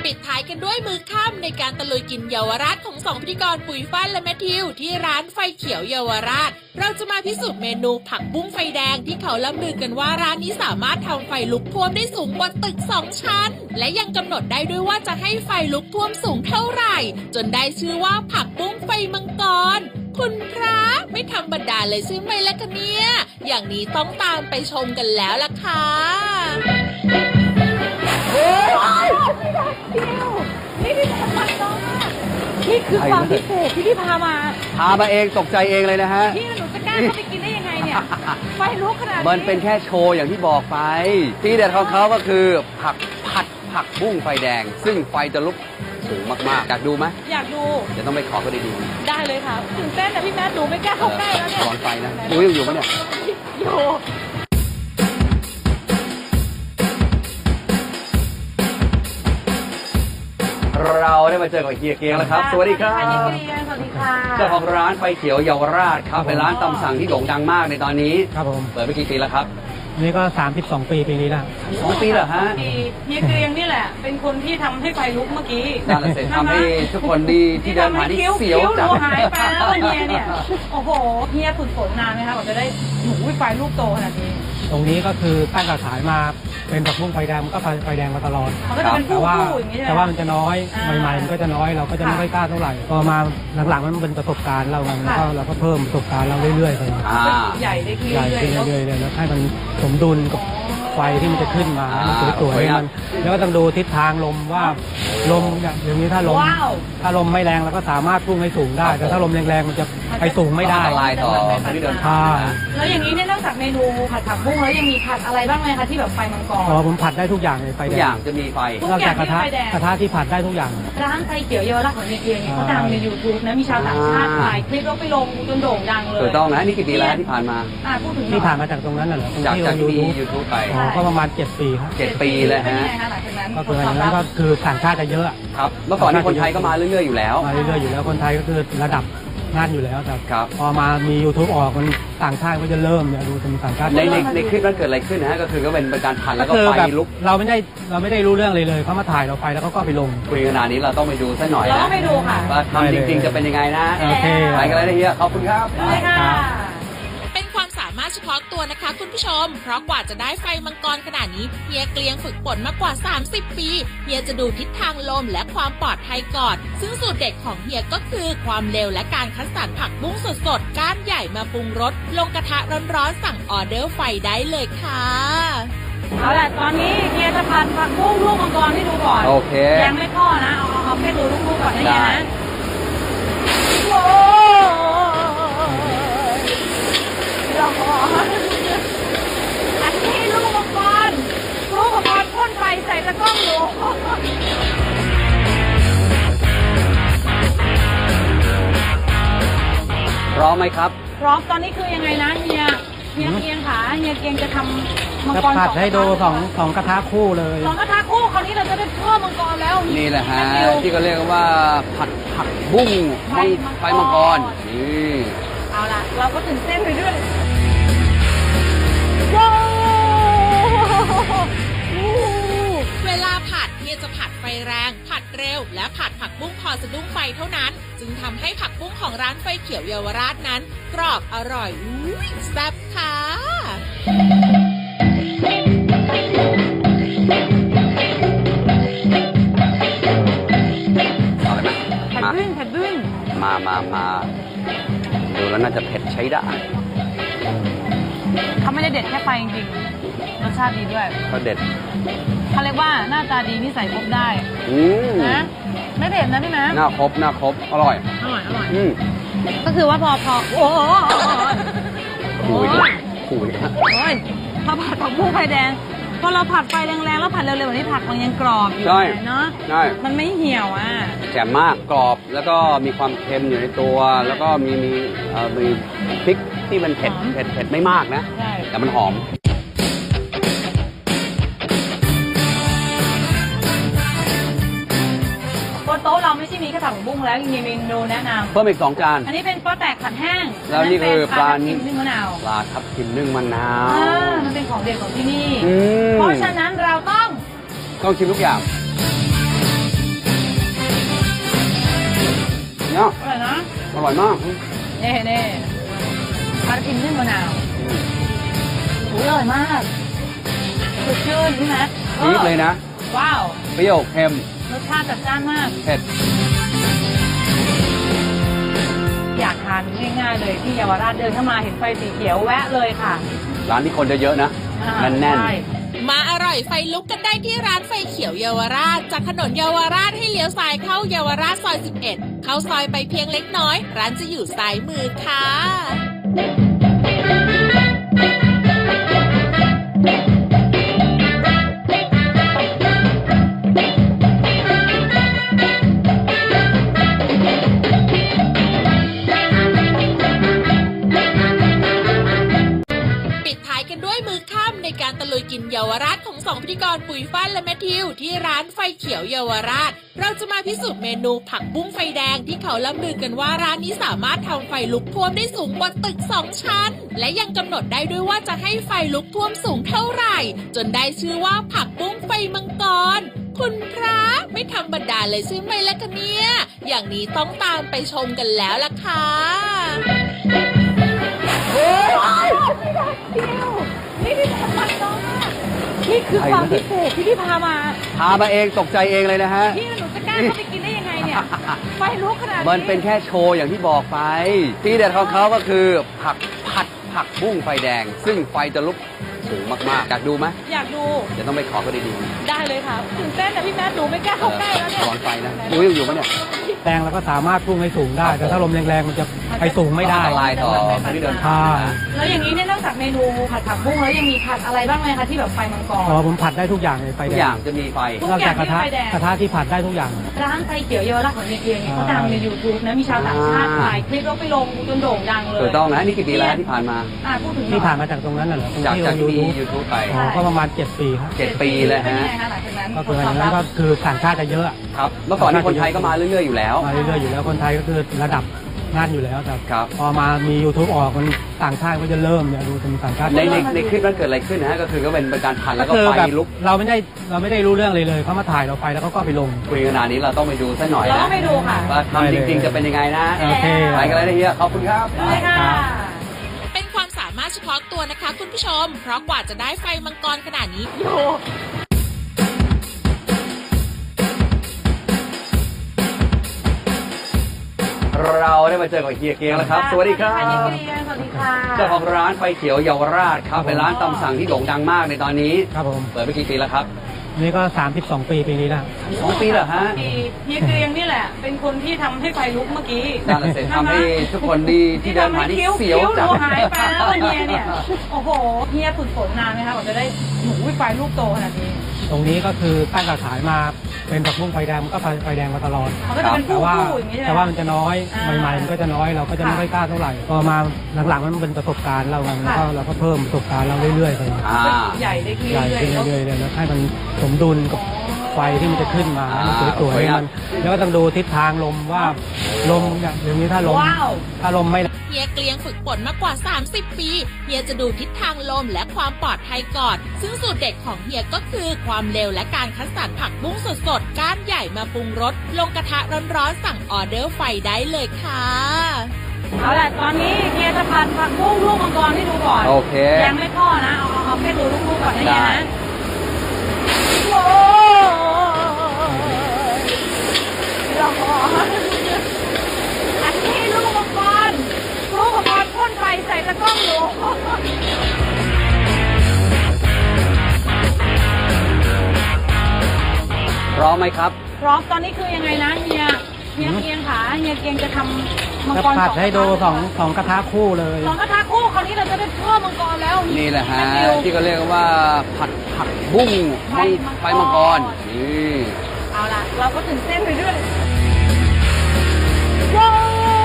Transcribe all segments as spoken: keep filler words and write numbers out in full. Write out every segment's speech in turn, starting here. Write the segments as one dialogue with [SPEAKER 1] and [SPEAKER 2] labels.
[SPEAKER 1] ปิดท้ายกันด้วยมือค่ำในการตะลุยกินเยาวราชของสองพิธีกรปุ๋ยฟ้าและแมทธิวที่ร้านไฟเขียวเยาวราชเราจะมาพิสูจน์เมนูผักบุ้งไฟแดงที่เขาล่ำลือกันว่าร้านนี้สามารถทำไฟลุกท่วมได้สูงกว่าตึกสองชั้นและยังกำหนดได้ด้วยว่าจะให้ไฟลุกท่วมสูงเท่าไหร่จนได้ชื่อว่าผักบุ้งไฟมังกรคุณพระไม่ธรรมดาเลยใช่ไหมล่ะคะเนี่ยอย่างนี้ต้องตามไปชมกันแล้วล่ะค่ะ
[SPEAKER 2] นี่พี่ทำมันน้องนี่คือความพิเศษที่พี่พามา
[SPEAKER 3] พามาเองตกใจเองเลยนะฮะ
[SPEAKER 2] พี่หนูจะกล้าเข้าไปกินได้ยังไงเนี่ยไฟลุกขนาดนี้
[SPEAKER 3] มันเป็นแค่โชว์อย่างที่บอกไปที่เด็ดของเขาก็คือผักผัดผักบุ้งไฟแดงซึ่งไฟจะลุกสูงมากๆอยากดูไหม
[SPEAKER 2] อยากดู
[SPEAKER 3] จะต้องไปขอก็ได้ดู
[SPEAKER 2] ได้เลยค่ะตื่นเต้นนะพี่แม่ดูไม่กล้าเข้าใกล้แล้วเนี่ย
[SPEAKER 3] ร้อนไฟนะดูยังอยู่ไหมเนี่ย
[SPEAKER 2] อยู่
[SPEAKER 3] เราได้มาเจอกับเฮียเกียงแล้วครับสวัสดีครับ
[SPEAKER 2] เฮียเกียงสวัสดีค่ะ
[SPEAKER 3] เจ้าของร้านไฟเขียวเยาวราชครับเป็นร้านตำสั่งที่โด่งดังมากในตอนนี้
[SPEAKER 4] ครับผม
[SPEAKER 3] เปิดไปกี่ปีแล้วครับ
[SPEAKER 4] นี่ก็สามสิบสองปีปีนี้แล้ว
[SPEAKER 3] สองปีเหรอฮะ
[SPEAKER 2] เฮียเกียงนี่แหละเป็นคนที่ทำให้ไฟลุกเมื่อกี้
[SPEAKER 3] นั่นแหละเสร็จทำให้ทุกคนดีที่เดินผ่านนี่เสียวจั
[SPEAKER 2] งหายไปแล้วเฮียเนี่ยโอ้โหเฮียฝึกฝนนานไหมคะกว่าจะได้หนูไฟลูกโตขนาดนี้
[SPEAKER 4] ตรงนี้ก็คือตั้งกระถายมาเป็นผักบุ้งไฟแดงมันก็ไฟแดงมาตลอดแต่ว่าแต่ว่ามันจะน้อยใหม่ๆมันก็จะน้อยเราก็จะไม่ค่อยกล้าเท่าไหร่พอมาหลังๆมันเป็นประสบการณ์เราแล้วก็เราก็เพิ่มประสบการณ์เราเรื่อยๆไป
[SPEAKER 2] ใหญ่ได้ขึ้น
[SPEAKER 4] ใหญ่ขึ้นเรื่อยๆเลยแล้วให้มันสมดุลกับไฟที่มันจะขึ้นมาให้มันสวยๆมันแล้วก็ต้องดูทิศทางลมว่าลมอย่างนี้ถ้าลมถ้าลมไม่แรงเราก็สามารถพุ่งให้สูงได้แต่ถ้าลมแรงๆมันจะไปสูงไม่ได้
[SPEAKER 3] ลายต่อที่เดินทาง
[SPEAKER 2] แล้วอย่างนี้เนี่ยนอกจากเมนูผัดผักบุ้งแล้วยังมีผัดอะไรบ้างไหมคะที่แบบไฟมังกร
[SPEAKER 4] อ๋อผมผัดได้ทุกอย่างเลยไฟ
[SPEAKER 3] ทุกอย่างจะมีไฟ
[SPEAKER 4] นอกจากกระทะกระทะที่ผัดได้ทุกอย่าง
[SPEAKER 2] ร้านไฟเขียวเยาวราชของเฮียเกียงเขาดังใน ยูทูบ นะมีชาวต่างชาติถ่ายคลิปแล้วไปลงจนโด่งดังเลย
[SPEAKER 3] ถูกต้องนะนี่กี่ปีแล้วที่ผ่านมา
[SPEAKER 2] พูดถึง
[SPEAKER 4] ที่ผ่านมาจากตรงนั้นเหรอ
[SPEAKER 3] จากจากที่ยูทูบไป
[SPEAKER 4] ก็ประมาณเจ็ดปีครับ
[SPEAKER 3] เจ็ดปีเลยฮะ
[SPEAKER 4] ก็คืออันนั้นก็คือต่างชาติจะเยอะ
[SPEAKER 3] ครับเมื่อก่อนนี้คนไทยก็มาเรื่อยๆอยู่แล้ว
[SPEAKER 4] มาเรื่อยๆอยู่แล้วคนไทยก็คือระดับงานอยู่แล้วแต่พอมามี ยูทูบ ออกมันต่างชาติก็จะเริ่มเนี่ยดูเป็นต่างชาติ
[SPEAKER 3] ในในในคลิปนั้นเกิดอะไรขึ้นนะฮะก็คือก็เป็นการพันแล้วก็ไฟลุก
[SPEAKER 4] เราไม่ได้เราไม่ได้รู้เรื่องเลยเลยเขามาถ่ายเราไปแล้วเขาก็ไปลง
[SPEAKER 3] คุยขนาดนี้เราต้องไปดูซะหน่อยนะ
[SPEAKER 2] เราไปดูค่ะ
[SPEAKER 3] ว่าทำจริงๆจะเป็นยังไงนะ
[SPEAKER 4] โอเค
[SPEAKER 3] ไปกันเลยนะเฮียขอบคุณครับ
[SPEAKER 2] ไปค่ะ
[SPEAKER 1] เป็นความสามารถเฉพาะตัวนะคะคุณผู้ชมเพราะกว่าจะได้ไฟมังกรขนาดนี้เฮียเกลียงฝึกฝนมากกว่าสามสิบปีเฮียจะดูทิศทางลมและความปลอดภัยก่อนซึ่งสูตรเด็ดของเฮียก็คือความเร็วและการคัดสรรผักบุ้งสดๆก้านใหญ่มาปรุงรสลงกระทะร้อนๆสั่งออเดอร์ไฟได้เลยค่ะ
[SPEAKER 2] เอาล่ะตอนนี้เฮียจะพันผักบุ้งลูกมังกรให้ดูก่อน
[SPEAKER 3] โอเค
[SPEAKER 2] ยังไม่พ่อนะเอาเอาแค่ดูลูกๆก่อนนะเฮียนะโอ้อันนี้ลูกมังกรลูกมังกรพ่นไฟใส่ตะกร้องหนู
[SPEAKER 3] พร้อมไหมครับ
[SPEAKER 2] พร้อมตอนนี้คือยังไงนะเฮียเฮียเกียงขาเฮียเกียงจะทำมังกร
[SPEAKER 4] ผัดให้ดูสองสองกระทะคู่เลย
[SPEAKER 2] สองกระทะคู่คราวนี้เราจะได้เพิ่มมังกรแล้ว
[SPEAKER 3] นี่แหละฮะที่เขาเรียกว่าผัดผักบุ้งไฟมังกรนี่
[SPEAKER 2] เอาล่ะเราก็ตื่นเต้นไปด้วย
[SPEAKER 1] เวลาผัดเฮียจะผัดไฟแรงผัดเร็วและผัดผักบุ้งพอสะดุ้งไฟเท่านั้นจึงทำให้ผักบุ้งของร้านไฟเขียวเยาวราชนั้นกรอบอร่อยอุ้ยแซ่บค่ะ
[SPEAKER 3] เอาเลยไหม
[SPEAKER 2] ผัดบึ้งผัดบึ้ง
[SPEAKER 3] มามามาดูแล้วน่าจะเผ็ดใช้ได้
[SPEAKER 2] เขาไม่ได้เด็ดแค่ไฟจริงๆรสชาติดีด้วย
[SPEAKER 3] เขาเด็ด
[SPEAKER 2] เขาเรียกว่าหน้าตาดีนิสัยครบได้นะไม่เผ็ดนะพี่แม่
[SPEAKER 3] หน้าครบหน้าครบอร่อย
[SPEAKER 2] อร่อยอร่อย
[SPEAKER 3] อืม
[SPEAKER 2] ก็คือว่าพอพอโอ้โห
[SPEAKER 3] คุยคุย
[SPEAKER 2] โอ้ยพอผัดผักบุ้งไฟแดงพอเราผัดไฟแรงๆแล้วผัดเร็วๆแบบนี้ผักมันยังกรอบอยู่เนาะ
[SPEAKER 3] ใช่
[SPEAKER 2] มันไม่เหี่ยวอ่ะ
[SPEAKER 3] แจ่มมากกรอบแล้วก็มีความเค็มอยู่ในตัวแล้วก็มีมีเอ่อมีพริกที่มันเผ็ดเผ็ดเผ็ดไม่มากนะแต่มันหอม
[SPEAKER 2] บนโต๊ะเราไม่ใช่มีแค่ผักบุ้งแล้วยังมีเมนูแนะนำ
[SPEAKER 3] เพิ่มอีกสองจาน
[SPEAKER 2] อันนี้เป็นปลาแตกผัดแห้ง
[SPEAKER 3] แล้วนี่คือปลานึ่
[SPEAKER 2] งมะนาว
[SPEAKER 3] ปลาทับทิมนึ่งมะนาว
[SPEAKER 2] มันเป็นของเด็ดของที่นี่เพราะฉะนั้นเราต้อง
[SPEAKER 3] ต้องชิมทุกอย่างร่อยมาก
[SPEAKER 2] เน่เน่ปลาทิมนึ่งมะนาวอร่อยมากสดชื่นใช่ไหม
[SPEAKER 3] จี๊ดเลยนะ
[SPEAKER 2] ว้าว
[SPEAKER 3] เปรี้ยวเค็ม
[SPEAKER 2] รสชาติจัดจ้านมาก
[SPEAKER 3] เผ็ด
[SPEAKER 2] อยากทานง่ายๆเลยที่เยาวราชเดินเข้ามาเห็นไฟสีเขียวแวะเลยค่ะ
[SPEAKER 3] ร้านที่คนเยอะๆนะ
[SPEAKER 2] อ่า
[SPEAKER 3] แน่น
[SPEAKER 2] ใช่
[SPEAKER 1] มาอร่อยไฟลุกกันได้ที่ร้านไฟเขียวเยาวราช จากถนนเยาวราชให้เลี้ยวซ้ายเข้าเยาวราชซอย สิบเอ็ด เข้าซอยไปเพียงเล็กน้อย ร้านจะอยู่ซ้ายมือค่ะ ปิดท้ายกันด้วยมือค่ำในการตะลุยกินเยาวราชของสองพิธีกรปุ๋ยฟ้านและแมทธิวที่ร้านไฟเขียวเยาวราช เราจะมาพิสูจน์เมนูผักบุ้งไฟแดงที่เขาล่ำลือกันว่าร้านนี้สามารถทำไฟลุกท่วมได้สูงกว่าตึกสองชั้น และยังกำหนดได้ด้วยว่าจะให้ไฟลุกท่วมสูงเท่าไหร่ จนได้ชื่อว่าผักบุ้งไฟมังกร คุณพระไม่ธรรมดาเลยใช่ไหมล่ะคะเนี่ยอย่างนี้ต้องตามไปชมกันแล้วล่ะค่ะ
[SPEAKER 2] นี่ที่ทำมันน้องนี่คือความพิเศษที่พี่พามา
[SPEAKER 3] ๆพามาเองตกใจเองเลยนะฮะ
[SPEAKER 2] พี่หนูจะกล้าเข้าไปกินได้ยังไงเนี่ย ไฟลุกขนาดนี้
[SPEAKER 3] มันเป็นแค่โชว์อย่างที่บอกไป ที่เด็ดของเขาก็คือผักผัดผักบุ้งไฟแดง ซึ่งไฟจะลุกสูงมากๆ อยากดูไหม
[SPEAKER 2] อยากดู
[SPEAKER 3] เดี๋ยวต้องไปขอเขาดี
[SPEAKER 2] ได้เลยค่ะตื่นเต้นนะพี่แม่หนูไม่กล้า
[SPEAKER 3] ๆ
[SPEAKER 2] เข้าใกล้แล้วเนี่ย
[SPEAKER 3] ร้อนไฟนะดูยังอยู่ปะเนี่ย
[SPEAKER 4] แรงแล้วก็สามารถพุ่งให้สูงได้ แต่ถ้าลมแรงๆมันจะไปสูงไม่ได้
[SPEAKER 3] อันตรายต่อคนที่เดินทางนะ
[SPEAKER 2] แล้วอย่างนี้เนี่ยนอกจากเมนูผัดผักบุ้งแล้วยังมีผัดอะไรบ้างไหมคะที่แบบไฟมังกร
[SPEAKER 4] อ๋อผมผัดได้ทุกอย่างเลยไฟ
[SPEAKER 3] ทุ
[SPEAKER 4] แด
[SPEAKER 3] กอย่าง งจะมีไฟ
[SPEAKER 2] ทุ
[SPEAKER 4] นอกจากกระทะ
[SPEAKER 2] ไฟแดง
[SPEAKER 4] กระทะที่ผัดได้ทุกอย่าง
[SPEAKER 2] ร้านไฟเขียวเยาวราชของเฮียเกียงเนี่ยเขาดังใน ยูทูบ นะมีชาวต่างชาติ
[SPEAKER 3] อ่า
[SPEAKER 2] ถ่ายคลิปแล้วไปลงจนโด่งดังเลย
[SPEAKER 3] ถูกต้องนะนี่กี่ปีแล้วที่ผ่านมา
[SPEAKER 2] อ่าพูดถึงหน่อย
[SPEAKER 4] ที่ผ่านมาจากตรงนั้นน่ะเหรอตรง
[SPEAKER 3] จาก
[SPEAKER 4] ที่
[SPEAKER 3] จาก
[SPEAKER 4] ยู
[SPEAKER 3] ที่มี
[SPEAKER 4] ทูบ
[SPEAKER 3] ยูทูบไป
[SPEAKER 4] อ๋อก็ประมาณเจ็ดปีครับ
[SPEAKER 3] เจ็ดปีเลยฮะ
[SPEAKER 2] เป็นไงคะหลังจากนั้น
[SPEAKER 4] ก็คืออันนั้นก็คือต่างชาติจะเยอะ
[SPEAKER 3] ครับ เมื่อก่อนนี้คนไทยก็มาเรื่อยๆอยู่แล้ว
[SPEAKER 4] มาเรื่อยๆอยู่แล้วคนไทยก็คือระดับนั่นอยู่แล้วแต่
[SPEAKER 3] ครับ
[SPEAKER 4] พอมามี ยูทูบ ออกมันต่างชาติก็จะเริ่มเนี่ยดูเป็นต่างชาติ
[SPEAKER 3] ในในในคลิปนั้นเกิดอะไรขึ้นนะฮะก็คือก็เป็นเป็นการผัดแล้วก็
[SPEAKER 4] คือ
[SPEAKER 3] ไฟ
[SPEAKER 4] แบบ
[SPEAKER 3] ลุก
[SPEAKER 4] เราไม่ได้เราไม่ได้รู้เรื่องเลยเลยเขามาถ่ายเราไปแล้วเขาก็ไปลง
[SPEAKER 3] คุยขนาดนี้เราต้องไปดูสักหน่อย
[SPEAKER 2] เรา
[SPEAKER 3] นะ
[SPEAKER 2] ต้องไปดูค่ะ
[SPEAKER 3] ว่าทำจริงๆจะเป็นยังไงนะ
[SPEAKER 4] โอเค
[SPEAKER 3] ไปกันเลยนะเฮียขอบคุณครับ
[SPEAKER 2] เลยค่ะ
[SPEAKER 1] เป็นความสามารถเฉพาะตัวนะคะคุณผู้ชม เพราะกว่าจะได้ไฟมังกรขนาดนี้
[SPEAKER 2] โย
[SPEAKER 3] เราได้มาเจอกับเฮียเกียงแล้วครับ สวัสดีครับ
[SPEAKER 2] สวัสดีค่ะ
[SPEAKER 3] เจ้าของร้านไฟเขียวเยาวราชครับเป็นร้านตำสั่งที่โด่งดังมากในตอนนี้
[SPEAKER 4] ครับผม
[SPEAKER 3] เปิดไปกี่ปีแล้วครับ
[SPEAKER 4] นี่ก็สามสิบสองปีปีนี้แล้ว
[SPEAKER 3] สองปีเหรอฮะ
[SPEAKER 2] เฮียเกรียงนี่แหละ เป็นคนที่ทำให้ไฟลุกเมื่อกี้
[SPEAKER 3] นั่นแหละเสร็จทำให้ทุกคนที่ที่เดินผ่านนี่เสียวจั
[SPEAKER 2] จั
[SPEAKER 3] ง
[SPEAKER 2] หายไปแล้วเฮียเนี่ย โอ้โหเฮียฝึกฝนนานไหมคะกว่าจะได้หนูไฟลูกโตขนาดนี้
[SPEAKER 4] ตรงนี้ก็คือตั้งแต่ขายมาเป็นผักบุ้งไฟแดงมันก็ไฟแดงมาตลอด
[SPEAKER 2] มันก็จะเป็น
[SPEAKER 4] แต่
[SPEAKER 2] ผู้
[SPEAKER 4] ว่า
[SPEAKER 2] ผู้อย่างนี้ใช่ไหม
[SPEAKER 4] แต่ว่ามันจะน้อย
[SPEAKER 2] อ่า
[SPEAKER 4] ใหม่ๆมันก็จะน้อยเราก็จะไม่ค่อยกล้าเท่าไหร่พอมาหลังๆมันเป็นประสบการณ์เราไงแล้วก็เราก็เพิ่มประสบการณ์เราเรื่อยๆไป
[SPEAKER 3] อ่า
[SPEAKER 2] ใหญ่ได้ขึ้น
[SPEAKER 4] ใหญ่
[SPEAKER 2] เรื่อย
[SPEAKER 4] ขึ้น
[SPEAKER 2] ๆเนอะ
[SPEAKER 4] เรื่อยๆเลยแล้วให้มันสมดุลกับไฟที่มันจะขึ้นมาให้มัน
[SPEAKER 3] อ่า
[SPEAKER 4] สวยๆให้มันแล้วก็ต้องดูทิศทางลมว่าลมเนี่ยอย่างนี้ถ้าลม
[SPEAKER 2] ว้าว
[SPEAKER 4] ถ้าลมไม่
[SPEAKER 1] เฮียเกลียงฝึกฝนมากกว่า สามสิบ ปี เฮียจะดูทิศทางลมและความปลอดภัยก่อน ซึ่งสูตรเด็ดของเฮียก็คือความเร็วและการคัดสรรผักบุ้งสดๆ ก้านใหญ่มาปรุงรส ลงกระทะร้อนๆ สั่งออเดอร์ไฟได้เลยค่ะ
[SPEAKER 2] เอาล่ะตอนนี้เฮียจะพันผักบุ้งลูกมังกรให้ดูก่อน
[SPEAKER 3] โอเค
[SPEAKER 2] ยังไม่ทอดนะ เอาเอาเอาแค่ดูลูกๆก่อนนะเฮีย
[SPEAKER 3] ได้
[SPEAKER 2] นะโอ้ยร้อนอันนี้ลูกมังกรลูกมังกรพ่นไฟใส่ตะกร้องอยู่
[SPEAKER 3] พร้อมไหมครับ
[SPEAKER 2] พร้อมตอนนี้คือยังไงนะเฮียเฮียเกียงขาเฮียเกียงจะทำมัง
[SPEAKER 4] จะ
[SPEAKER 2] กร
[SPEAKER 4] ผัด
[SPEAKER 2] สอง
[SPEAKER 4] ให้ดูสองสองกระทะคู่เลย
[SPEAKER 2] สองกระทะคู่คราวนี้เราจะได้เพิ่มมังกรแล้ว
[SPEAKER 3] นี่แหละฮะ
[SPEAKER 2] แม่ฟิว
[SPEAKER 3] ที่เขาเรียกว่าผัดผักบุ้ง
[SPEAKER 2] ไฟมังกร
[SPEAKER 3] ไฟมังกรนี่
[SPEAKER 2] เอาล่ะ เราก็ตื่นเต้นไปด้วยว้าว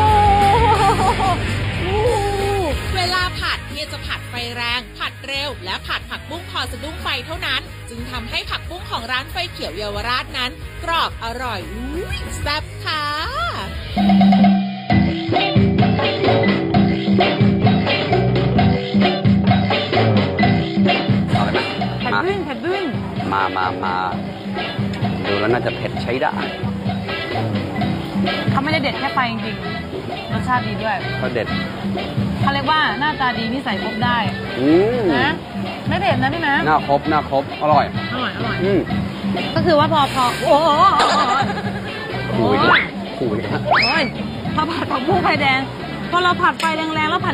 [SPEAKER 1] เวลาผัดเฮียจะผัดไฟแรง ผัดเร็ว และผัดผักบุ้งพอสะดุ้งไฟเท่านั้น จึงทำให้ผักบุ้งของร้านไฟเขียวเยาวราชนั้น กรอบอร่อยอุ้ยแซ่บค่ะ
[SPEAKER 3] เอาเลยไหม
[SPEAKER 2] แผ่น
[SPEAKER 3] มา
[SPEAKER 2] บึ้งแผ่นบึ้ง
[SPEAKER 3] มามามาดูแล้วน่าจะเผ็ดใช้ได้
[SPEAKER 2] เขาไม่ได้เด็ดแค่ไฟจริง
[SPEAKER 3] อ
[SPEAKER 2] รสชาติดีด้วย
[SPEAKER 3] ก็เด็ด
[SPEAKER 2] เขาเรียกว่าหน้าตาดีนิสัยครบได้
[SPEAKER 3] อืม
[SPEAKER 2] นะไม่เผ็ดนะพี่แม่
[SPEAKER 3] หน้าครบหน้าครบอร่อย
[SPEAKER 2] อร่อยอร่อย
[SPEAKER 3] อืม
[SPEAKER 2] ก็คือว่าพอพอโอ้โห
[SPEAKER 3] คุยกันคุยกัน
[SPEAKER 2] โอ้ยพอผัดผักบุ้งไฟแดง พอเราผัดไฟแรงๆแล้วผัด